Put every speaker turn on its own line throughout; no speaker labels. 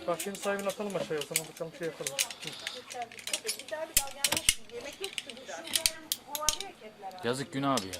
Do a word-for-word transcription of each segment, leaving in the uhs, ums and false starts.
Bahçenin sahibini atalım aşağıya o zaman bakalım şey yapalım.
Yazık günah abi ya.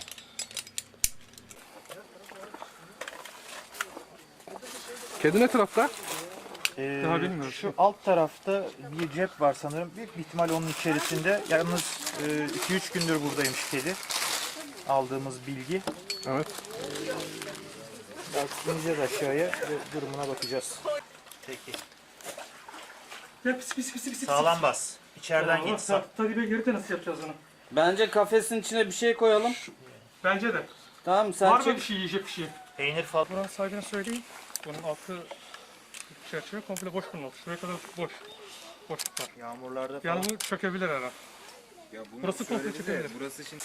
Kedi ne tarafta?
Ee,
Daha bilmiyorum.
Şu alt tarafta bir cep var sanırım. Büyük bir ihtimal onun içerisinde. Yalnız iki üç gündür buradaymış kedi. Aldığımız bilgi.
Evet.
Belki ineceğiz aşağıya ve durumuna bakacağız. Peki.
Ya pis pis pis pis.
Sağlam bas. İçeriden git. Sa-
Talibe girdi nasıl yapacağız onu?
Bence kafesin içine bir şey koyalım.
Bence de.
Tamam sen
Var mı
çık.
bir şey yiyecek bir şey?
Peynir falan.
Buranın sahibine söyleyeyim. Bunun altı çerçeve komple boş bunun altı. Şuraya kadar boş. Boşluk var.
Yağmurlarda falan.
Yani bu çökebilir herhalde.
Ya bunu
Burası komple
söyledi de,
çökebilir.
burası için...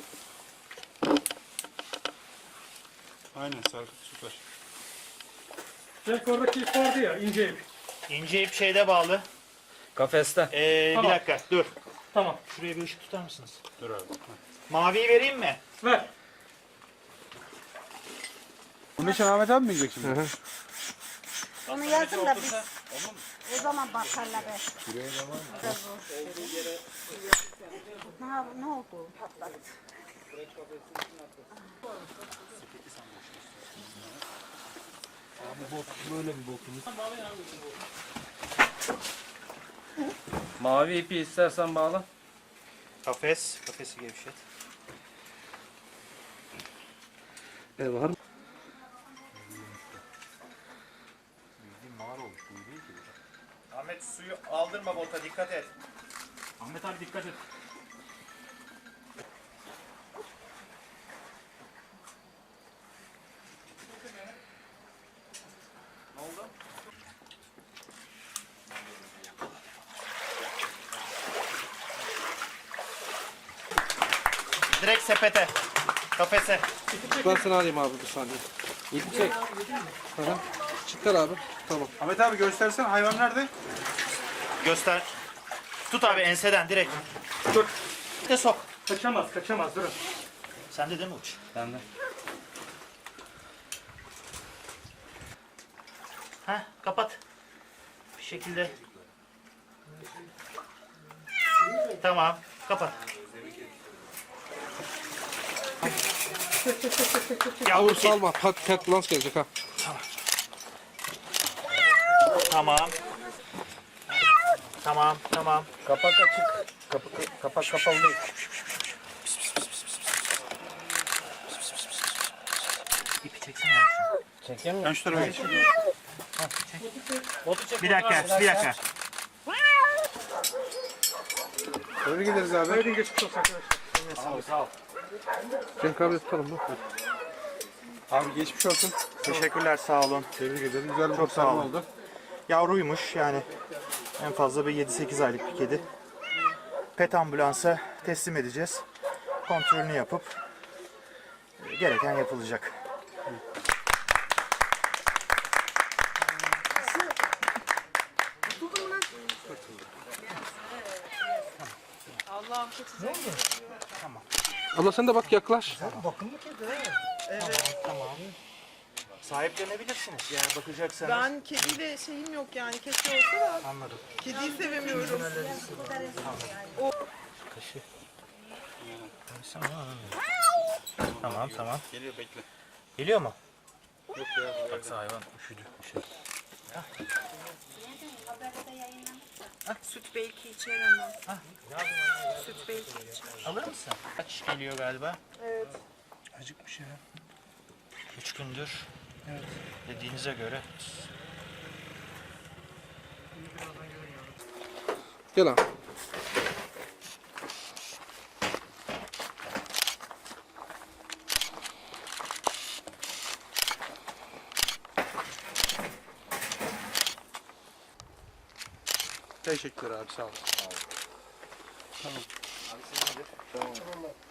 Aynen Serkut süper.
Belki oradaki ip vardı ya ince ip.
İnce ip şeyde bağlı.
Kafeste.
Ee,
Tamam.
Bir dakika dur.
Tamam.
Şuraya bir ışık tutar mısınız?
Dur abi.
Maviyi vereyim mi?
Ver.
Bunun için Ahmet abi mi yiyecek şimdi?
Onu yazın da biz o zaman bakarlar. Ne, ne oldu? Patladı.
Mavi ipi istersen bağla.
Kafes. Kafesi gevşet.
E var mı?
Ahmet suyu aldırma bota, dikkat et.
Ahmet abi dikkat et.
Direkt sepete. Kafese.
Ben seni alayım abi bir saniye.
İpi çek.
Hı hı. Çıkar abi. Tamam.
Ahmet abi göstersen hayvan nerede?
Göster. Tut abi enseden direkt.
Dur.
Bir de sok.
Kaçamaz kaçamaz durun.
Sen de değil mi uç?
Ben de.
Heh, kapat. Bir şekilde. Tamam, kapat.
Yavru salma. Pat, pat lans gelecek ha.
Tamam. Tamam, tamam.
Kapak açık. Kapak, kapak kapalı değil.
İpi çeksene abi.
Çekeyim mi?
Ben şu tarafa geç.
Bir dakika, bir dakika.
Nereye gideriz abi?
Haydi geçmiş olsun arkadaşlar.
Cenk abi tutalım mı?
Abi geçmiş olsun.
Teşekkürler, sağ olun.
Tebrik ederim. Güzel bir
Çok sağ
kurtarma
olun.
oldu.
Yavruymuş yani. En fazla bir yedi sekiz aylık bir kedi. Pet ambulansa teslim edeceğiz. Kontrolünü yapıp e, gereken yapılacak.
Abla sen de bak yaklaş.
Sahiplenebilirsiniz yani bakacaksanız.
Ben kediyle şeyim yok yani keşke olsa da
Anladım.
kediyi sevemiyorum.
Tamam tamam.
Geliyor bekle.
Geliyor mu?
Baksa hayvan üşüdü.
Süt belki içer ama. Süt belki içer.
Alır mısın? Kaç geliyor galiba?
Evet.
Acıkmış ya. Üç gündür. Evet. Dediğinize göre.
Gel abi.
Teşekkürler abi sağ ol.
Tamam.